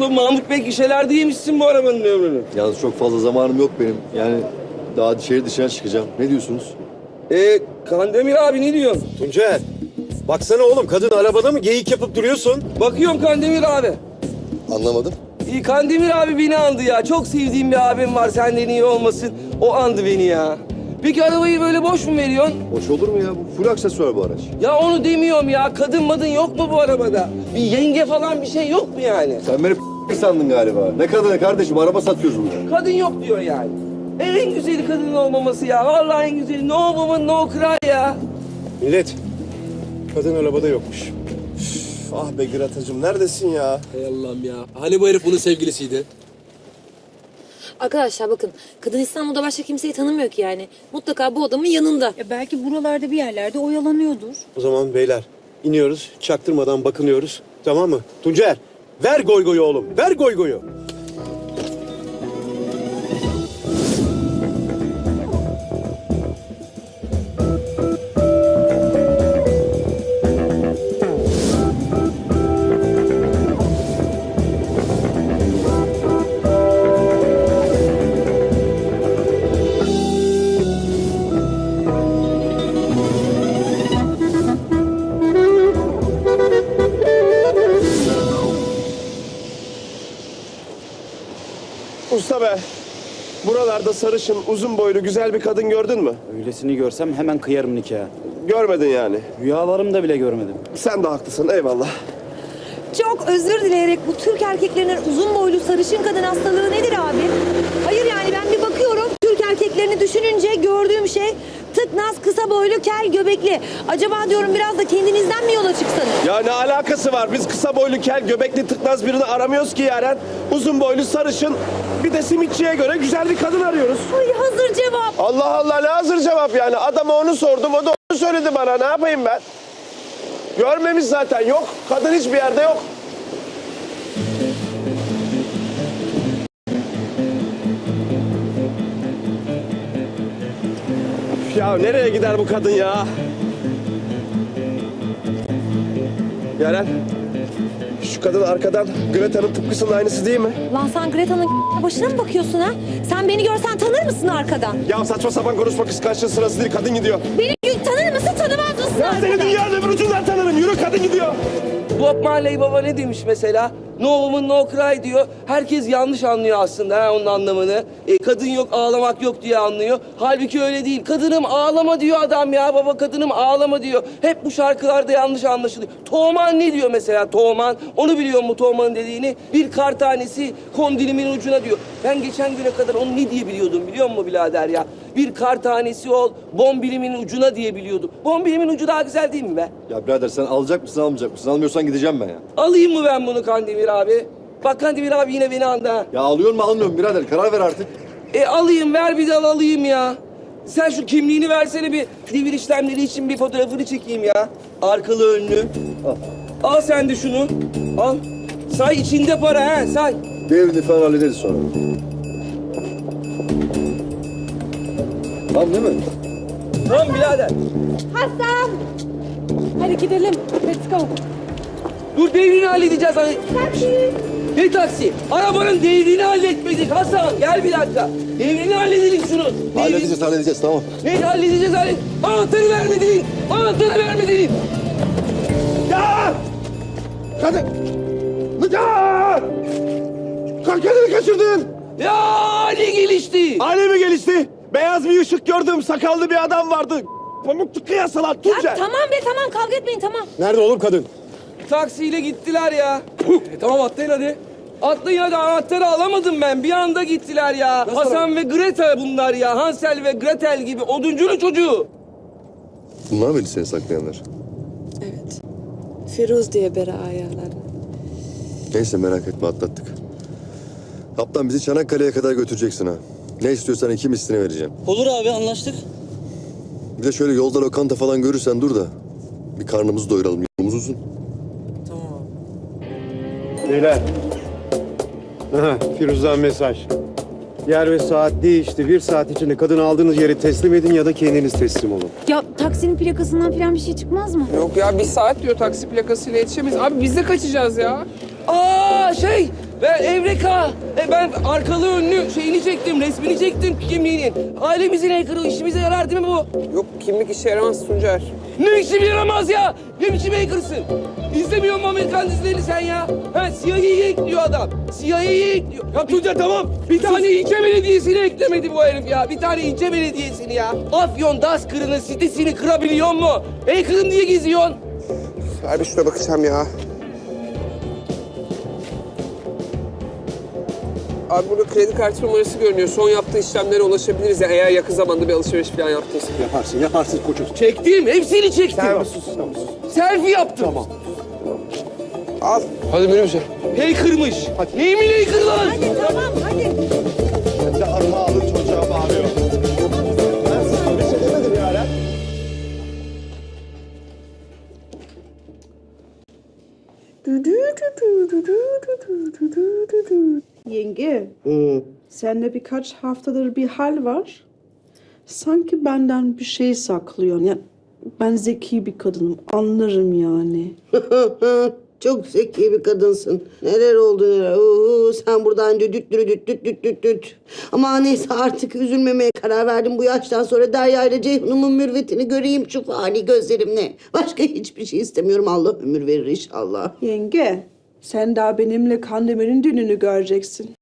o Mahmut Bey gişelerde yemişsin bu arabanın ömrünü. Yalnız çok fazla zamanım yok benim. Yani daha şehir dışına çıkacağım. Ne diyorsunuz? Kandemir abi ne diyorsun? Tuncer, baksana oğlum kadın arabada mı geyik yapıp duruyorsun? Bakıyorum Kandemir abi. Anlamadım. Kandemir abi beni andı ya. Çok sevdiğim bir abim var, senden iyi olmasın. O andı beni ya. Peki arabayı böyle boş mu veriyorsun? Hoş olur mu ya? Bu full aksesuar bu araç. Ya onu demiyorum ya. Kadın madın yok mu bu arabada? Bir yenge falan bir şey yok mu yani? Sen beni sandın galiba. Ne kadını kardeşim? Araba satıyoruz burada. Kadın yok diyor yani. En güzeli kadının olmaması ya. Vallahi en güzeli. No woman no cry ya. Millet, kadın arabada yokmuş. Üf, ah be Gratacığım, neredesin ya? Hay Allah'ım ya. Hani bu herif bunun sevgilisiydi? Arkadaşlar bakın, kadın İstanbul'da başka kimseyi tanımıyor ki yani. Mutlaka bu adamın yanında. Ya belki buralarda bir yerlerde oyalanıyordur. O zaman beyler, iniyoruz, çaktırmadan bakınıyoruz, tamam mı? Tuncer, ver goygoyu oğlum, ver goygoyu. Usta be, buralarda sarışın, uzun boylu güzel bir kadın gördün mü? Öylesini görsem hemen kıyarım nikahı. Görmedin yani. Rüyalarımda bile görmedim. Sen de haklısın, eyvallah. Çok özür dileyerek bu Türk erkeklerinin uzun boylu sarışın kadın hastalığı nedir abi? Hayır yani ben bir bakıyorum Türk erkeklerini düşününce gördüğüm şey tıknaz, kısa boylu, kel, göbekli. Acaba diyorum biraz da kendinizden mi yola çıksanız? Ya ne alakası var? Biz kısa boylu, kel, göbekli, tıknaz birini aramıyoruz ki Yaren. Uzun boylu, sarışın, bir de simitçiye göre güzel bir kadın arıyoruz. Ay hazır cevap. Allah Allah, ne hazır cevap yani. Adama onu sordum, o da onu söyledi bana. Ne yapayım ben? Görmemiş zaten, yok. Kadın hiçbir yerde yok. Ya nereye gider bu kadın ya? Yaren, şu kadın arkadan Greta'nın tıpkısının aynısı değil mi? Lan sen Greta'nın başına mı bakıyorsun ha? Sen beni görsen tanır mısın arkadan? Ya saçma sapan konuşma, kıskançlığın sırası değil, kadın gidiyor. Beni tanır mısın, tanımaz mısın Ya seni arkadan? dünyanın öbür ucundan tanırım, yürü kadın gidiyor. Bob Marley Baba ne demiş mesela? No woman no cry diyor. Herkes yanlış anlıyor aslında ha, onun anlamını. Kadın yok, ağlamak yok diye anlıyor. Halbuki öyle değil. Kadınım ağlama diyor adam ya. Baba kadınım ağlama diyor. Hep bu şarkılarda yanlış anlaşılıyor. Toğman ne diyor mesela Toğman? Onu biliyor mu Toğman'ın dediğini? Bir kar tanesi kondilimin ucuna diyor. Ben geçen güne kadar onu ne diye biliyordum biliyor musun birader ya? Bir kar tanesi ol, bombilimin ucuna diye biliyordum. Bombilimin ucu daha güzel değil mi be? Ya birader sen alacak mısın almayacak mısın? Almıyorsan gideceğim ben ya. Alayım mı ben bunu Kandemir abi? Bak Kandemir abi yine beni andı ha. Ya alıyor mu almıyor mu birader? Karar ver artık. Alayım, ver bir dal alayım ya. Sen şu kimliğini versene, bir devir işlemleri için bir fotoğrafını çekeyim ya. Arkalı önlü. Al. Al sen de şunu. Al. Say içinde para ha, say. Devrini falan hallederiz sonra. Tamam değil mi? Tamam birader. Hasan! Hadi gidelim. Let's go. Dur devrini halledeceğiz. Hani. Taksi. Ne taksi? Arabanın devrini halletmedik Hasan. Gel bir dakika. Devrini halledelim şunu. Halledeceğiz tamam. Ne halledeceğiz hallet. Anahtarı vermedin. Anahtarı vermedin. Ya! Kadın! Ya! Kadını kaçırdın! Ya ne gelişti? Hale mi gelişti? Beyaz bir ışık gördüm, sakallı bir adam vardı. Pamuklu kıyasalar, Ya Tuncer. tamam be tamam kavga etmeyin tamam. Nerede oğlum kadın? Taksiyle gittiler ya. Tamam atlayın hadi. Atlayın hadi, anahtarı alamadım ben. Bir anda gittiler ya. Hasan ve Greta bunlar ya. Hansel ve Gretel gibi oduncunun çocuğu. Bunlar mıydı seni saklayanlar? Evet. Firuz diye beri ayarlar. Neyse merak etme atlattık. Kaptan bizi Çanakkale'ye kadar götüreceksin ha. Ne istiyorsan 2 mislini vereceğim. Olur abi, anlaştık. Bir de şöyle yolda lokanta falan görürsen dur da bir karnımızı doyuralım. Yolumuz uzun. Beyler. Aha, Firuz'dan mesaj. Yer ve saat değişti. 1 saat içinde kadını aldığınız yere teslim edin ya da kendiniz teslim olun. Ya taksinin plakasından falan bir şey çıkmaz mı? Yok ya, 1 saat diyor, taksi plakasıyla yetişemeyiz. Abi biz de kaçacağız ya. Aa MK. Ben arkalı önlü şeyini çektim, resmini çektim kimliğinin. Ailemizin hacker'ı işimize yarar değil mi bu? Yok kimlik işe yaramaz Tuncer. Ne biçim yaramaz ya? Ne biçim hacker'sın? İzlemiyor mu Amerikan dizilerini sen ya? Ha, CIA'yı ekliyor adam. CIA'yı ekliyor. Ya Tuncer tamam. Bir tane ilçe belediyesini eklemedi bu herif ya. Bir tane ilçe belediyesini ya. Afyon Daskırı'nın sitesini kırabiliyor mu? Hacker'ım diye geziyorsun. Ver bir şuna bakacağım ya. Abi burada kredi kartı numarası görünüyor. Son yaptığı işlemlere ulaşabiliriz ya eğer yakın zamanda bir alışveriş falan yaptıysa. Yaparsın koçum. Çektim, hepsini çektim. Sen sus, tamam sus. Selfie yaptım. Tamam. Al. Hadi minibüse. Hacker'mış. Neyimin hacker lan? Hadi tamam hadi. Sen de arma alın çocuğa bağırıyor. Ben size bir şey demedim Yaren. Yenge, sende birkaç haftadır bir hal var. Sanki benden bir şey saklıyorsun. Yani ben zeki bir kadınım, anlarım yani. Çok zeki bir kadınsın. Neler oldu neler. Sen buradan düt. Ama neyse artık üzülmemeye karar verdim. Bu yaştan sonra Derya ile Ceyhun'umun mürvetini göreyim şu fani gözlerimle. Başka hiçbir şey istemiyorum. Allah ömür verir inşallah. Yenge, sen daha benimle Kandemir'in düğününü göreceksin.